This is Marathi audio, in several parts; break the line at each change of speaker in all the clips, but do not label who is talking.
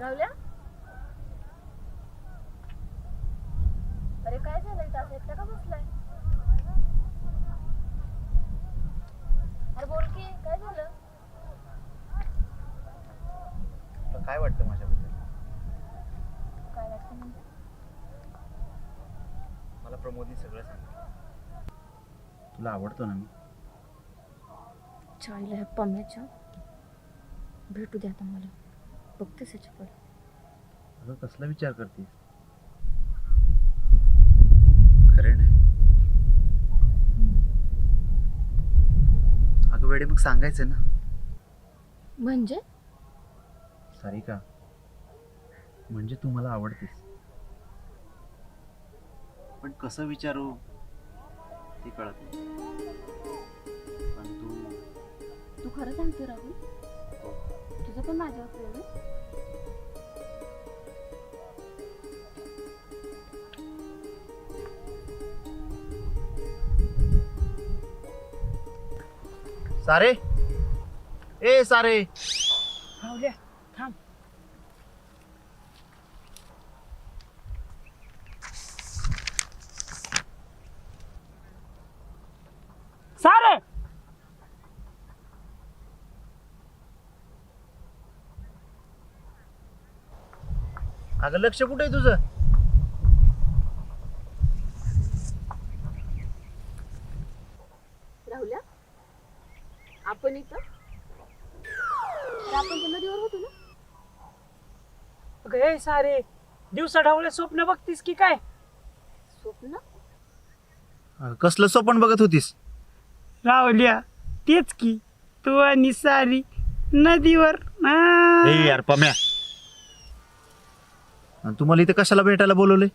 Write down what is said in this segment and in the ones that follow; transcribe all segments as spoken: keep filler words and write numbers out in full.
राहुल्या, अरे काय झालं इथं असं एकटा का बसलाय? अरे बोल की काय झालं?
तुला काय वाटतं माझ्याबद्दल?
काय वाटतं म्हणजे?
मला प्रमोदनी सगळं सांगितलं. तुला आवडतो ना मी?
चायला ह्या पम्याच्या भेटू दे आता मला. बघतेस याच्याकडे.
अगं कसला विचार करतेस? खरं नाही. अगं वेडे मग सांगायचं ना.
म्हणजे?
सारिका, म्हणजे तू मला आवडतेस. पण कसं विचारू ते कळत नाही. पण तू
तू खरं सांगतो राहुल? तुझं पण माझ्यावर प्रेम आहे?
सारे, ए सारे,
राहुल्या थांब. सारे,
अगं लक्ष कुठे आहे तुझं?
राहुल्या, आपण इथं आपण तर नदीवर होतो ना?
अगं हे सारे, दिवसा ढवळे स्वप्न बघतीस की काय?
स्वप्न?
अगं, कसलं स्वप्न बघत होतीस?
राहुल्या, तेच की तू आणि सारी नदीवर. आ.
ए यार पम्या, आणि तुम्हाला इथे कशाला भेटायला बोलवले?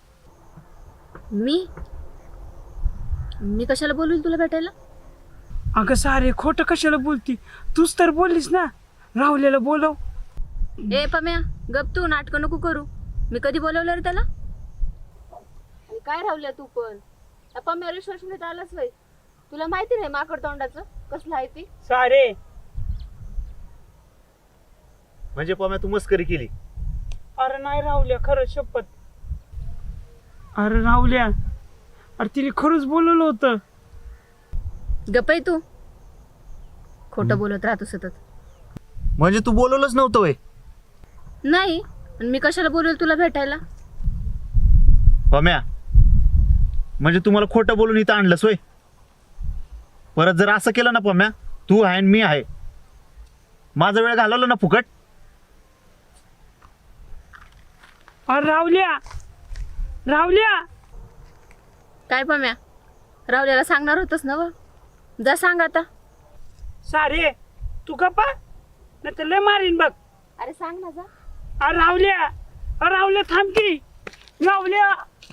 मी मी कशाला बोलून तुला भेटायला?
अगं सारे, खोटं कशाला बोलती? तूच तर बोललीस ना राहुल्याला बोलव.
ए पम्या, गप तू नाटकं नको करू. मी कधी बोलवलं रे त्याला? आणि काय राहुल्या तू पण त्या पम्यावर विश्वास ठेवण्यात आलाच वय. तुला माहिती नाही माकड तोंडाचं कसलं आहे ती?
सारे,
म्हणजे पम्या तू मस्करी केली?
अरे नाही राहुल्या, खरं शपथ. अरे राहुल्या, अरे तिने खरंच बोलवलं होतं.
गप आहे तू, खोटं बोलत राहतो सतत.
म्हणजे तू बोलवलंच नव्हतं वय?
नाही, पण मी कशाला बोलवेल तुला भेटायला?
पम्या, म्हणजे तू मला खोटं बोलून इथं आणलंस वय? परत जर असं केलं ना पम्या, तू आहे आणि मी आहे, माझा वेळ घालवला ना फुकट.
अरे राहुल्या, राहुल्या,
काय पम्या, राहुल्याला सांगणार होतस ना? व जा सांग आता.
सारे तू गप्पा, नाही तर लय मारीन बघ.
अरे सांग ना, जा.
अरे राहुल्या, अरे राहुल्या थांब की. राहुल्या,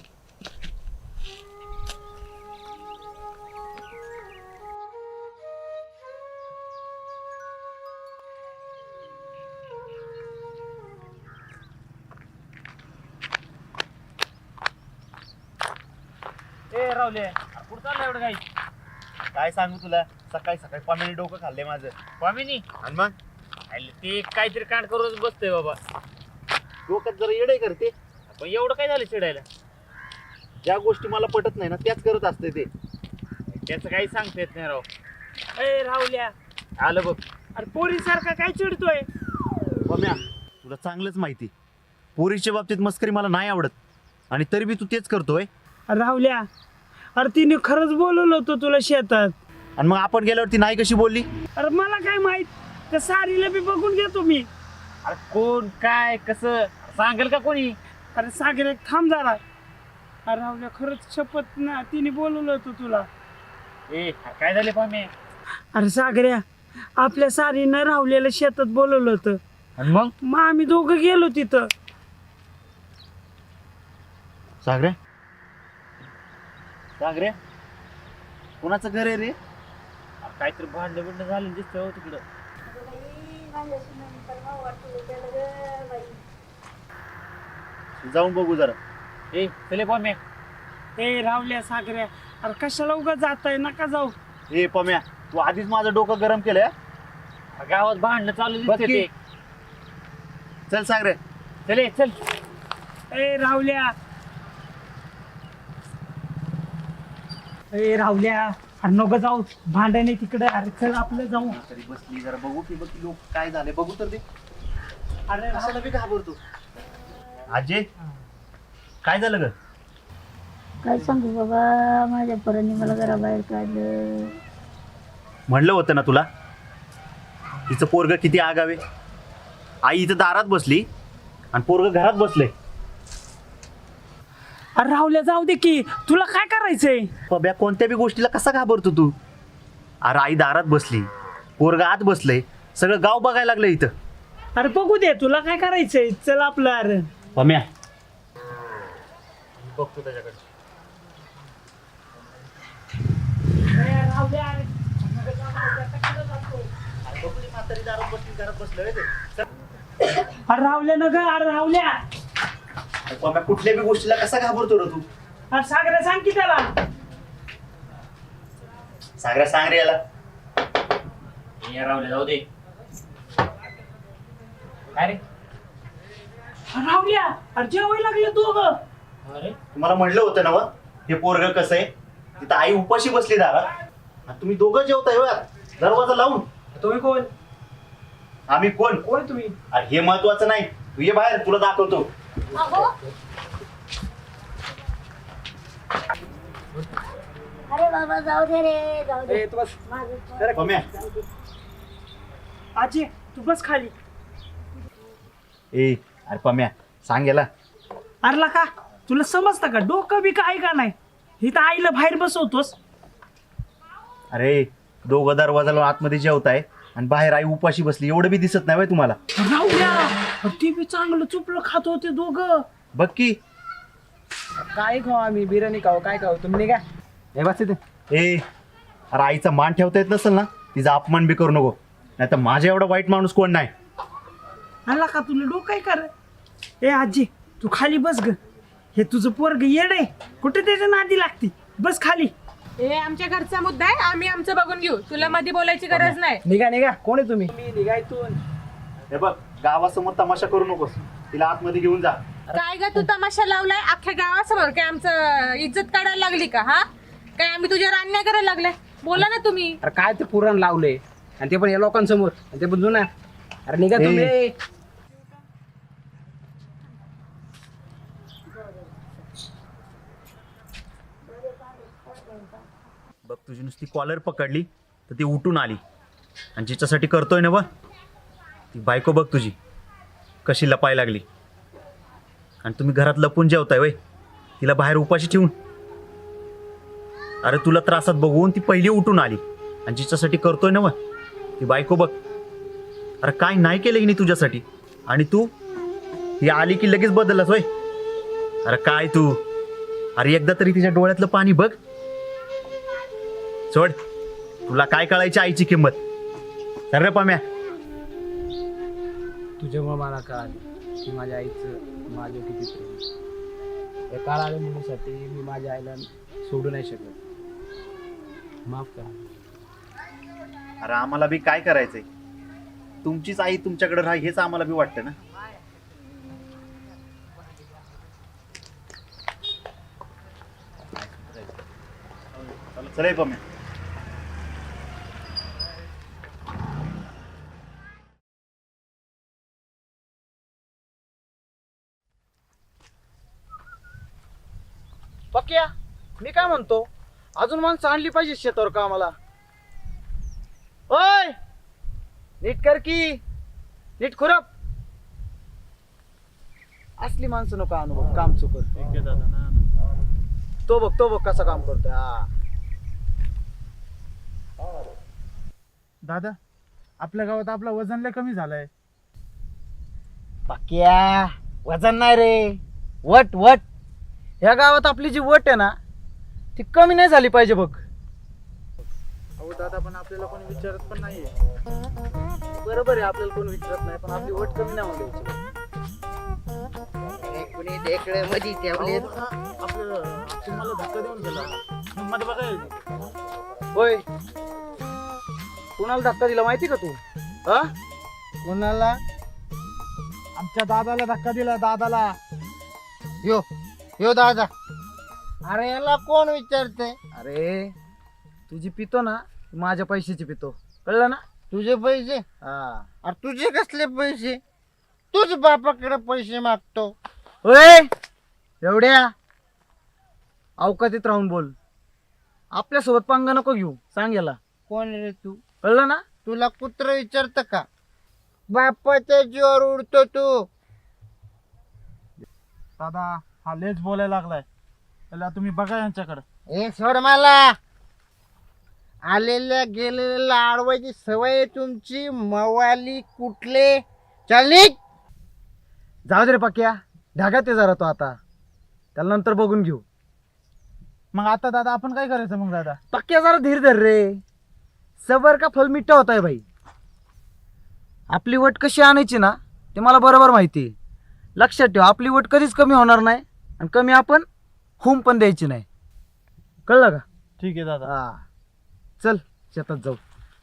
ए राहुल्या, कुठं चाललं एवढं काही?
काय सांगू तुला, सकाळी सकाळी पम्याने डोकं खाल्ले माझं.
स्वामिनी,
आणि मग
अरे ते काहीतरी कांड करूनच बसतोय बाबा.
डोक्यात जरा येडे करते.
पण एवढं काय झालं चिडायला?
ज्या गोष्टी मला पटत नाही ना त्याच करत असते ते.
त्याचं काही सांगता येत नाही राव.
ए राहुल्या,
आलं बघ.
अरे पोरीसारखा काय चिडतोय?
पम्या, तुला चांगलंच माहिती, पोरीच्या बाबतीत मस्करी मला नाही आवडत, आणि तरी बी तू तेच करतोय.
अरे राहुल्या, अरे तिने खरंच बोलवलं होतं तुला शेतात.
आणि मग आपण गेल्यावरती नाही कशी बोलली?
अरे मला काय माहित, त्या सारीला बी बघून घेतो मी.
अरे कोण काय कसं सांगेल का कोणी?
अरे सागर एक थांब जरा. अरे राहुल्या, खरंच शपथ ना, तिने बोलवलं होतं तुला.
ए काय झाले पामे?
अरे सागऱ्या, आपल्या सारीनं राहुल्याला शेतात बोलवलं होतं.
आणि मग
मग आम्ही दोघं गेलो तिथं.
सागरे, सागरे, कोणाचं घर आहे रे?
अरे काहीतरी भांडण बिंड झालं दिसतंय हो तिकडं.
जाऊन बघू जरा.
ए चले पामे.
ए राहुल्या, सागऱ्या, अरे कशाला उगा जाताय, नका जाऊ.
ए पम्या, तू आधीच माझं डोकं गरम केलंय.
गावात भांडणं चालू
बघ
दिसते
की.
ते.
चल सागरे,
चल ये, चल.
ए राहुल्या ए राहुल्या अरे नको जाऊ भांडण आहे तिकडे. अरे चल आपलं जाऊ.
तरी बसली जरा बघू की बघ लोक काय झाले बघू तर ते.
अरे
कशाला बी घाबरतो. अजय काय झालं ग?
काय सांगू बाबा, माझ्या पोरांनी मला घराबाहेर काढलं.
म्हणलं होतं ना तुला तिचं पोरग किती आगावे. आई इथं दारात बसली आणि पोरग घरात बसले.
अरे राहुल्या जाऊ दे की, तुला काय करायचंय?
पब्या कोणत्या बी गोष्टीला कसा घाबरतो तू? अरे आई दारात बसली, पोरग आत बसलंय, सगळं गाव बघायला लागलं इथं.
अरे बघू दे, तुला काय करायचंय? चल आपलं. अरे
पम्या बघतो त्याच्याकडे.
अरे राहुल्या न ग, अरे राहुल्या.
पम्या कुठल्या बी गोष्टीला कसा घाबरतो रे तू?
अरे सागऱ्या सांग की त्याला.
सागऱ्या सांग रे याला.
ये राहुल्या जाऊ दे. काय रे?
अरे राहुल्या, अरे जेवायला लागले तू ग.
अरे
तुम्हाला म्हणलं होतं ना व, हे पोरग कसं आहे. तिथं आई उपाशी बसली दारात आणि तुम्ही दोघं जेवताय होय दरवाजा लावून.
तुम्ही कोण?
आम्ही कोण?
कोण तुम्ही?
अरे हे महत्वाचं नाही, तू ये बाहेर तुला दाखवतो.
अरे बाबा जाऊ दे रे, जाऊ दे. माझं
पम्या
आजी तू बस खाली.
ए अरे पम्या सांग याला.
अरला का तुला समजतं का? डोकं बी काय का नाही? इथं आईला बाहेर बसवतोस.
अरे दोघं दरवाजा लावून आतमध्ये जेवताय आणि बाहेर आई उपाशी बसली, एवढं बी दिसत नाही व्हय तुम्हाला?
राहुल्या ते बी चांगलं चुपलं खात होते दोघं.
बघ की.
काय खाऊ आम्ही? बिर्याणी खाऊ काय खाऊ? तुम्ही काय हे बस इथे.
ए अरे आईचा मान ठेवता येत नसेल ना, तिचा अपमान बी करू नको, नाही तर माझ्या एवढा वाईट माणूस कोण नाही.
अरला का तुला डोकं काय कर? ए आजी तू खाली बस ग. हे तुझं पोरग येड आहे, कुठे त्याच्या नादी लागती. बस खाली.
हे आमच्या घरचा मुद्दा आहे, आम्ही आमचं बघून घेऊ. तुला मध्ये बोलायची गरज नाही.
निघा निघा. कोण आहे तुम्ही?
मी निघा इथून.
हे बघ गावासमोर तमाशा करू नकोस, तिला आतमध्ये घेऊन जा.
काय ग तू तमाशा लावलाय अख्ख्या गावासमोर? काय आमचं इज्जत काढायला लागली का? हा काय आम्ही तुझ्यावर अन्याय करायला लागलाय? बोला ना तुम्ही.
अरे काय ते पुराण लावलंय आणि ते पण या लोकांसमोर आणि ते पण जुना. अरे निघा तुम्ही.
ए. बघ तुझी नुसती कॉलर पकडली तर ती उठून आली आणि जिच्यासाठी करतोय ना बा ती बायको बघ तुझी कशी लपाय लागली. आणि तुम्ही घरात लपून जेवताय वय, तिला बाहेर उपाशी ठेवून. अरे तुला त्रासात बघून ती पहिली उठून आली आणि जिच्यासाठी करतोय ना बा ती बायको बघ. अरे काय नाही केलं की नाही तुझ्यासाठी, आणि तू ही आली की लगेच बदललास वय. अरे काय तू, अरे एकदा तरी तिच्या डोळ्यातलं पाणी बघ. सोड, तुला काय कळायची आईची किंमत. तर रे पाम्या
तुझ्यामुळे मला कळालं की माझ्या आईचं माझं किती प्रेम. या काळाच्या मुलीसाठी मी माझ्या आईला सोडू नाही शकत. माफ करा.
अरे आम्हाला बी काय करायचंय, तुमचीच आई तुमच्याकडे राहा हेच आम्हाला बी वाटतं ना. चल पाम्या.
पक्या मी काय म्हणतो, अजून माणसं आणली पाहिजे शेतावर कामाला. ओय नीट कर की, नीट खुरप. असली माणसं नको आणू बघ, काम चुकत. तो बघ तो बघ कसा काम करतोय. हा
दादा आपल्या गावात आपला वजन लय कमी झालंय.
पक्या वजन नाही रे, वट वट. या गावात आपली जी वट आहे ना ती कमी नाही झाली पाहिजे बघ.
अहो दादा पण आपल्याला कोणी विचारत पण नाहीये.
बरोबर आहे, आपल्याला कोण विचारत नाही, पण आपली वट कमी नाही होऊ द्यायची.
कोणी ढेकळे मध्ये ठेवले आपलं तुम्हाला धक्का देऊन गेला मध्ये बघा.
होय कुणाला धक्का दिला माहिती का तू? हा
कोणाला आमच्या दादाला धक्का दिला दादाला.
यो यो दादा, अरे याला कोण विचारते?
अरे तुझी पितो ना, माझ्या पैशाची पितो, कळलं ना?
तुझे पैसे?
हा.
अरे तुझे कसले पैसे? तूच बापाकडे पैसे मागतो.
ओय एवढ्या अवकातीत राहून बोल. आपल्यासोबत पंगा नको घेऊ, सांग याला.
कोण रे तू?
कळलं ना?
तुला कुत्र विचारत का? बापाच्या जीवावर उडतो तू.
दादा हा लेच बोलायला लागलाय, त्याला तुम्ही बघा यांच्याकडे.
हे सोड मला. आलेल्या गेलेल्या अडवायची सवय आहे तुमची. मवाली कुठले? चल निघ.
जाऊ दे रे पक्या, ढागात ते जरा तो आता, त्याला नंतर बघून घेऊ.
मग आता दादा आपण काय करायचं मग दादा?
पक्या जरा धीर धर रे, सबर का फल मिठा होत आहे भाई. आपली वट कशी आणायची ना ते मला बरोबर माहिती आहे. लक्षात ठेव, आपली वट कधीच कमी होणार नाही आणि कमी आपण होम पण द्यायची नाही, कळलं का?
ठीक आहे दादा.
हा चल शेतात जाऊ.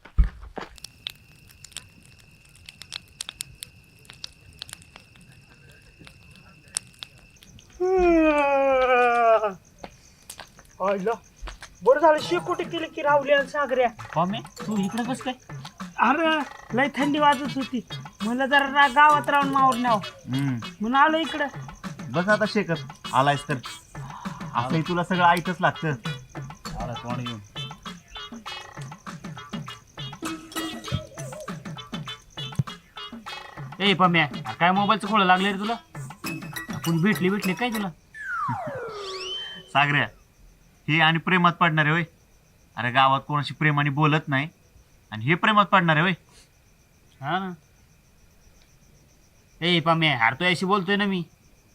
आयला बरं झालं शेकोटी केली की राहुल्या आणि सागऱ्या.
पम्या तू इकडे कस काय?
अरे लय थंडी वाजत होती, मला जरा रा- गावात राहून मावर न्याव
हम्म.
म्हणून आलो इकडं.
बस आता शेकत आलायस तर असंही तुला सगळं ऐकच लागतं.
आला तोंड घेऊन. ए पम्या काय मोबाईलचं खोळं लागले रे तुला? आपण भेटली भेटली काय तुला?
सागऱ्या हे आणि प्रेमात पडणारे होय. अरे गावात कोणाशी प्रेमाने बोलत नाही आणि हे प्रेमात पडणारे होय.
हा ना. ए पम्या हार तो याशी बोलतोय ना मी.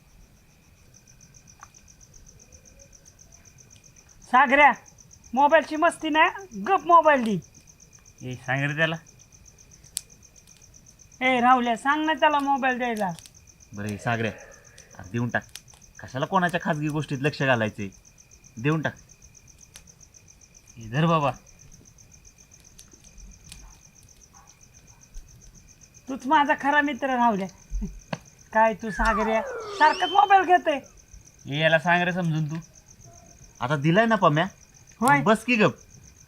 सागऱ्या मोबाईलची मस्ती नाही, गप मोबाईल दी.
ए सांग रे त्याला.
ए राहुल्या सांग ना त्याला मोबाईल द्यायला.
बरं हे सागऱ्या अरे देऊन टाक, कशाला कोणाच्या खाजगी गोष्टीत लक्ष घालायचे. देऊन टाक.
इधर बाबा.
तूच माझा खरा मित्र राहुल्या. काय तू सागऱ्या सारखंच मोबाईल घेतोय.
ए याला सांग रे समजून तू.
आता दिलाय ना पम्या,
होय
बस की गप.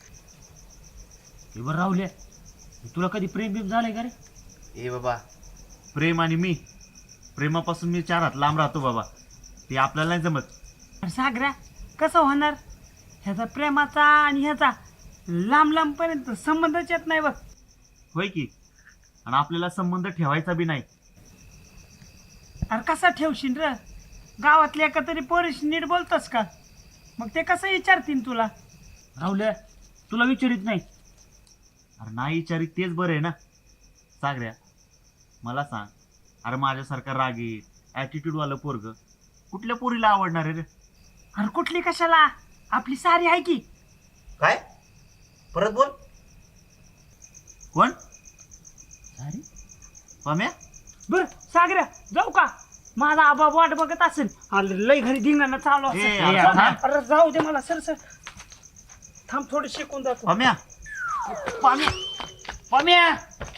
हे बरं राहुल्या, तुला कधी प्रेम बिम झालंय का रे?
ए बाबा प्रेम आणि मी, प्रेमापासून मी चार हात लांब राहतो बाबा, ते आपल्याला नाही जमत.
अरे सागऱ्या कसं होणार? ह्याचा प्रेमाचा आणि ह्याचा लांब लांब पर्यंत संबंधच येत नाही बघ.
होय की, आणि आपल्याला संबंध ठेवायचा बी नाही.
अरे कसा ठेवशील र? गावातल्या एका तरी पोरीशी नीट बोलतोस का? मग ते कसं विचारतील तुला?
राहुल्या तुला विचारित नाही.
अरे नाही विचारित तेच बरं आहे ना. सागऱ्या मला सांग, अरे माझ्यासारखा रागीट ॲटिट्यूडवालं पोरग कुठल्या पोरीला आवडणार आहे रे?
अरे कुठली कशाला, आपली सारी आहे की.
काय परत बोल. कोण?
अरे
पम्या?
बर सागऱ्या जाऊ का? माझा आबा वाट बघत असेल. अरे लय घरी धिंगाणं चालू
ए,
असेल.
अरे थांब.
अरे जाऊ दे मला सर सर थांब थोडं शिकून जातो.
पम्या
पम्या पम्या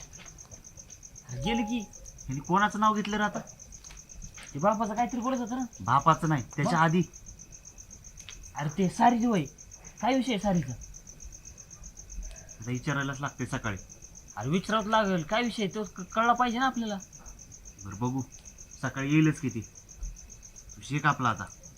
गेली की.
ह्याने कोणाचं नाव घेतलं रे आता?
ते बापाचं काहीतरी बोलत होतं ना.
बापाचं नाही, त्याच्या आधी.
अरे ते सारीच होय. काय विषय आहे सारीचा?
आता विचारायलाच लागते सकाळी.
अरे विचारावं लागेल काय विषय आहे, तो क- कळला पाहिजे ना आपल्याला.
बरं बघू, सकाळी येईलच किती. तू शिक आपला आता.